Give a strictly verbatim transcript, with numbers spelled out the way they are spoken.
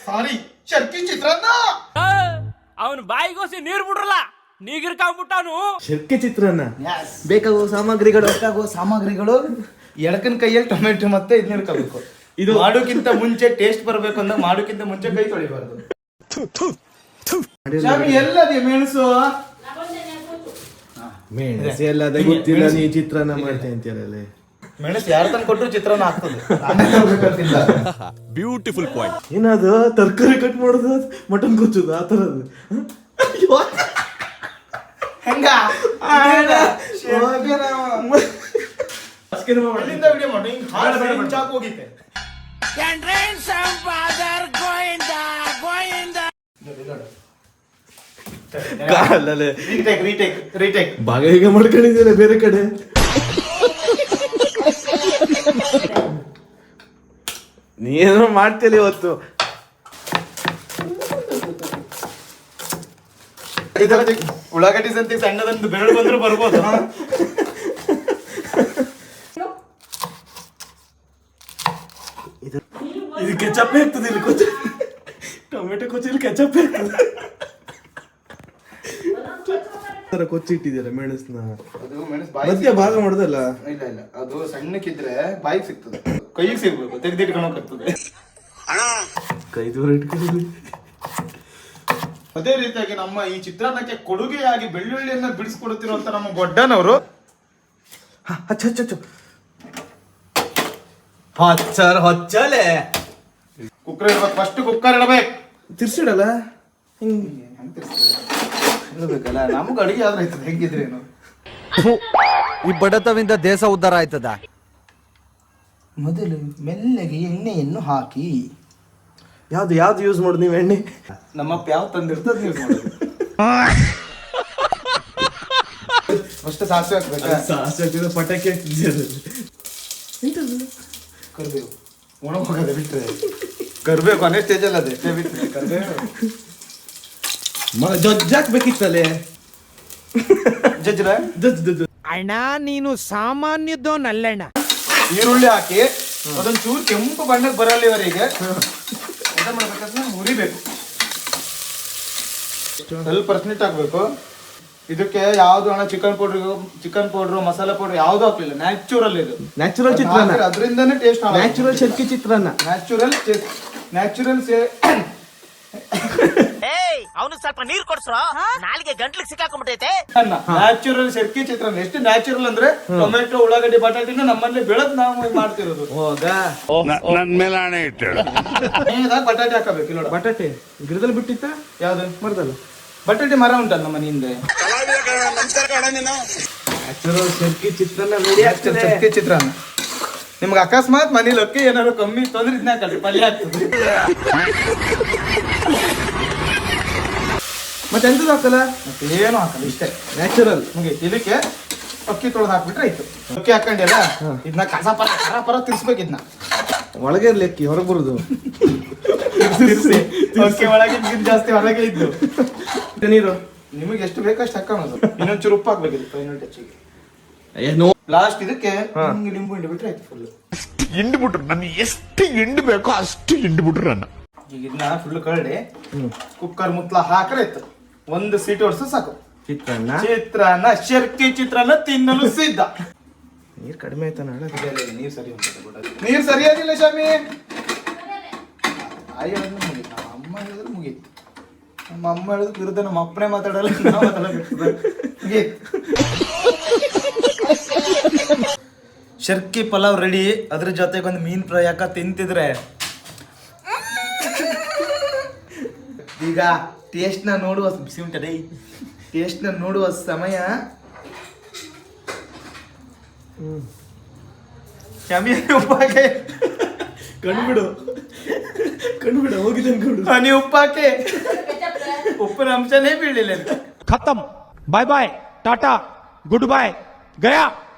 ಸಾರಿ ಶರ್ಕಿ ಚಿತ್ರಾನ್ನ. ಅವನು ಬಾಯಿಗೋಸಿ ನೀರ್ ಬಿಡ್ರಲ್ಲ ನೀಗಿರ್ಕಾಗ್ಬಿಟ್ಟಾನು. ಶರ್ಕಿ ಚಿತ್ರಾನ್ನ ಬೇಕಾಗುವ ಸಾಮಗ್ರಿಗಳು ಬೇಕಾಗುವ ಸಾಮಗ್ರಿಗಳು ಎಡಕನ್ ಕೈಯಲ್ಲಿ ಟೊಮೆಟೊ ಮತ್ತೆ ಇದನ್ನ ಹಿಡ್ಕೋಬೇಕು. ಇದು ಮಾಡೋಕ್ಕಿಂತ ಮುಂಚೆ ಟೇಸ್ಟ್ ಬರಬೇಕು ಅಂದಾಗ ಮಾಡೋಕ್ಕಿಂತ ಮುಂಚೆ ಕೈ ತೊಳಿಬಾರ್ದು. ಎಲ್ಲದೇ ಮೆಣಸು ಮೆಣಸು ಎಲ್ಲದ ಗೊತ್ತಿಲ್ಲ, ನೀ ಚಿತ್ರಾನ್ನ ಮಾಡ್ತೇನೆ ಅಂತೀರಲ್ಲ. ಮೆಣಸು ಯಾರು ತಂದು ಕೊಟ್ಟರು ಚಿತ್ರಾನ್ನ ಆಗ್ತದೆ. Beautiful point. ಏನದು ತರಕಾರಿ ಕಟ್ ಮಾಡೋದು, ಮಟನ್ ಕೊಚ್ಚೋದು, ಆ ತರದ್ದು ಹೆಂಗ ಹೋಗಿತ್ತೆ. ಭಾಗ ಈಗ ಮಾಡ್ಕೊಂಡಿದ್ದೀರ ಬೇರೆ ಕಡೆ. ನೀನು ಮಾಡ್ತೀರಿ ಇವತ್ತು. ಉಳ್ಳಾಗಡ್ಡಿ ಸಂತಿ ಸಣ್ಣದೊಂದು ಬೆರಳು ಬಂದ್ರು ಬರ್ಬೋದು. ಇದು ಕೆಚಪ್ ಆಗ್ತದೆ, ಇಲ್ಲಿ ಕೊಚ್ಚ ಟೊಮೆಟೊ ಕೊಚ್ಚಲ್ಲಿ ಕೆಚಪ್ ಆಗ್ತದೆ. ಕೊಚ್ಚಿಟ್ಟಿದ್ದೀರ ಮೆಣಸನ್ನ. ಅದು ಮೆಣಸು ಮಧ್ಯ ಭಾಗ ಮಾಡುದಲ್ಲ. ಇಲ್ಲ ಇಲ್ಲ, ಅದು ಸಣ್ಣಕ್ಕಿದ್ರೆ ಬಾಯಿಗೆ ಸಿಗ್ತದೆ, ಕೈಗೆ ಸಿಗ್ಬೇಕು, ತೆಗೆದಿಟ್ಕೊಳಕ್ಕಾಗ್ತದೆ. ಕೈ ದೂರ ಇಟ್ಕೊಳ್ಳಿ. ಅದೇ ರೀತಿಯಾಗಿ ನಮ್ಮ ಈ ಚಿತ್ರಾನ್ನಕ್ಕೆ ಕೊಡುಗೆಯಾಗಿ ಬೆಳ್ಳುಳ್ಳಿಯನ್ನ ಬಿಡಿಸ್ಕೊಡುತ್ತಿರುವಂತ ನಮ್ಮ ಗೊಡ್ಡನವರು ಹಚ್ಚ ಹಚ್ಚ ಹಚ್ಚ ಹಚ್ಚರ್ ಹೊಚ್ಚಲೆ ಕುಕ್ಕರ್ ಇಡ್ಬೇಕು. ಫಸ್ಟ್ ಕುಕ್ಕರ್ ಇಡಬೇಕು. ತಿರ್ಸಿಡಲ್ಲ ಹಿಂಗೆ ಇಡಬೇಕಲ್ಲ. ನಮ್ಗೆ ಅಡಿಗೆ ಆದ್ರೆ ಆಯ್ತದ, ಹೆಂಗಿದ್ರೇನು. ಈ ಬಡತವಿಂದ ದೇಶ ಉದ್ಧಾರ ಆಯ್ತದ. ಮೊದಲು ಮೆಲ್ಲಗೆ ಎಣ್ಣೆಯನ್ನು ಹಾಕಿ. ಯಾವ್ದು ಯಾವ್ದು ಯೂಸ್ ಮಾಡೋದು ನೀವು ಎಣ್ಣೆ? ನಮ್ಮಪ್ಪ ಯಾವ ತಂದಿರ್ತದೆ ಯೂಸ್ ಮಾಡೋದು. ಫಸ್ಟ್ ಸಾಸಿವೆ ಹಾಕ್ಬೇಕಾ? ಸಾಸಿವೆ ಹಾಕಿದ್ರೆ ಪಟಾಕಿ ಹಾಕ್ತಿದ್ದೀರ. ಕರ್ಬೇವು ಒಣ ಹೋಗದೆ ಬಿಟ್ರೆ ಕರ್ಬೇವು ಕೊನೆ ಸ್ಟೇಜ್ ಅಲ್ಲ, ಅದೇ ಬಿಟ್ರೆ ಕರ್ಬೇವು ಜಜ್ಜ್ ಹಾಕ್ಬೇಕಿತ್ತಲ್ಲೇ. ಜಜ್ರ ಜಜ್ಜ್ ಜಜ್ಜ್ ಅಣ್ಣ ನೀನು ಸಾಮಾನ್ಯದೋನಲ್ಲಣ್ಣ. ಈರುಳ್ಳಿ ಹಾಕಿ ಅದೊಂದು ಚೂರು ಕೆಂಪು ಬಣ್ಣಕ್ಕೆ ಬರಲ್ಲಿವರೆಗೆ ಎಂತ ಮಾಡ್ಬೇಕಂದ್ರೆ ಹುರಿಬೇಕು. ಸ್ವಲ್ಪ ಪರ್ಸೆಂಟ್ ಹಾಕ್ಬೇಕು. ಇದಕ್ಕೆ ಯಾವ್ದು ಹಣ chicken powder chicken powder masala powder ಯಾವ್ದು ಹಾಕ್ಲಿಲ್ಲ. ನ್ಯಾಚುರಲ್ ಇದು, ನ್ಯಾಚುರಲ್ ಚಿತ್ರಾನ್ನ. ಅದರಿಂದನೇ ಟೇಸ್ಟ್. ನ್ಯಾಚುರಲ್ ಶರ್ಕಿ ಚಿತ್ರಾನ್ನ. ನ್ಯಾಚುರಲ್ ನ್ಯಾಚುರಲ್ ಅವನು ಸ್ವಲ್ಪ ನೀರ್ ಕೊಡ್ಸ್ರ, ನಾಲಿಗೆ ಗಂಟ್ಲಿಗೆ ಸಿಕ್ಕಾಕೊಂಡ್ಬಿಟ್ಟೈತೆ. ನ್ಯಾಚುರಲ್ ಶರ್ಕಿ ಚಿತ್ರಾನ್ನ ಎಷ್ಟು ನ್ಯಾಚುರಲ್ ಅಂದ್ರೆ ಟೊಮೆಟೊ ಉಳ್ಳಾಗಡ್ಡಿ ಬಟಾಟಿನ ನಮ್ಮಲ್ಲಿ ಬೆಳೆದ್ ನಾವು ಮಾಡ್ತಿರೋದು. ಹೋಗ ನನ್ ಮೇಲೆ ಹಣೆ ಇಟ್ಟು ಬಟಾಟಿ ಹಾಕಬೇಕು. ಇಲ್ಲ ಬಟಾಟೆ ಗಿಡದಲ್ಲಿ ಬಿಟ್ಟಿತ್ತ ಯಾವ್ದು ಮರದಲ್ಲ? ಬಟಾಟಿ ಮರ ಉಂಟಲ್ಲ ನಮ್ಮ ಮನೆ ಹಿಂದೆ. ನ್ಯಾಚುರಲ್ ಶರ್ಕಿ ಚಿತ್ರಾನ್ನ ರೆಡಿ ಆಗ್ತದೆ. ಶರ್ಕಿ ಚಿತ್ರಾನ್ನ ನಿಮ್ಗೆ ಅಕಸ್ಮಾತ್ ಮನೇಲಿ ಅಕ್ಕಿ ಏನಾದ್ರು ಕಮ್ಮಿ ತೊಂದ್ರೆ ಇದನ್ನ ಹಾಕಲ್ರಿ, ಪಲ್ಯ ಆಗ್ತದೆ. ಮತ್ತೆ ಎಂತದ್ದು ಹಾಕಲ್ಲ? ಮತ್ತೆ ಏನು ಹಾಕಲ್ಲ, ಇಷ್ಟೇ ನ್ಯಾಚುರಲ್. ಮುಗೀತು. ಇದಕ್ಕೆ ಅಕ್ಕಿ ತೊಳೆದು ಹಾಕ್ಬಿಟ್ರೆ ಆಯ್ತು. ಅಕ್ಕಿ ಹಾಕೊಂಡಿಲ್ಲ, ಇದನ್ನ ಕಸ ಪರ ಕರ ಪರ ತಿರ್ಸ್ಬೇಕು. ಇದನ್ನ ಒಳಗೆ ಇರ್ಲಿ, ಅಕ್ಕಿ ಹೊರಗೆ ಬರುದು. ಅಕ್ಕಿ ಒಳಗೆ ಜಾಸ್ತಿ ಹೊರಗೆ ಇದ್ದು ನೀರು ನಿಮಗೆ ಎಷ್ಟು ಬೇಕಷ್ಟು ಹಾಕೋದು. ಇನ್ನೊಂಚೂರು ಉಪ್ಪು ಹಾಕ್ಬೇಕಿತ್ತು, ಇನ್ನೊಂದು ಟಚ್ಚಿಗೆ. ಏನೋ ಲಾಸ್ಟ್ ಇದಕ್ಕೆ ಹಿಂಗೆ ಲಿಂಬು ಹಿಂಡಿ ಬಿಟ್ರೆ ಆಯ್ತು. ಫುಲ್ ಹಿಂಡ್ ಬಿಟ್ರು ನನ್ನ ಎಷ್ಟು ಹಿಂಡ್ ಬೇಕೋ ಅಷ್ಟು ಹಿಂಡ್ ಬಿಟ್ರು ನನ್ನ. ಈಗ ಇದನ್ನ ಫುಲ್ ಕರಡಿ ಕುಕ್ಕರ್ ಮುತ್ಲ ಹಾಕ್ರೆ ಆಯ್ತು. ಒಂದು ಸೀಟ್ ಹೊಡ್ಸು ಸಾಕು. ಚಿತ್ರಾನ್ನ ಚಿತ್ರಾನ್ನ ಶರ್ಕಿ ಚಿತ್ರಾನ್ನ ತಿನ್ನಲು ಸಿದ್ಧ. ನೀರು ಕಡಿಮೆ ಆಯ್ತಾನ? ನೀರು ಸರಿ ಉಂಟು. ನೀರು ಸರಿಯಾಗಿಲ್ಲ ಶಾಮಿ. ಆಯ್ ಹೇಳಿದ್ರೆ ಮುಗೀತು. ನಮ್ಮ ಅಮ್ಮ ಹೇಳಿದ್ರೆ ಮುಗೀತು. ನಮ್ಮ ಅಮ್ಮ ಹೇಳಿದ್ರೆ ವಿರುದ್ಧ ನಮ್ಮ ಅಪ್ಪನೇ ಮಾತಾಡಲ್ಲ, ನಾವು ಮಾತಾಡಬೇಕು. ಮುಗೀತು. ಶರ್ಕಿ ಪಲಾವ್ ರೆಡಿ. ಅದ್ರ ಜೊತೆಗೆ ಒಂದು ಮೀನ್ ಫ್ರೈ ಹಾಕ ತಿಂತಿದ್ರೆ ಈಗ ಟೇಸ್ಟ್ ನ ನೋಡುವ ಬಿಸಿ ಉಂಟದೆ. ಟೇಸ್ಟ್ ನ ನೋಡುವ ಸಮಯ. ಶಾಮಿ ಉಪ್ಪಾಕೆ ಕಣ್ಬಿಡು ಕಣ್ಬಿಡು ಹೋಗಿದೆ ಅನ್ಕೊಂಡು. ಹನಿ ಉಪ್ಪಾಕೆ ಉಪ್ಪಿನ ಅಂಶನೇ ಬೀಳಿಲ್ಲ. ಖತಮ್. ಬಾಯ್ ಬಾಯ್, ಟಾಟಾ, ಗುಡ್ ಬಾಯ್, ಗಯಾ.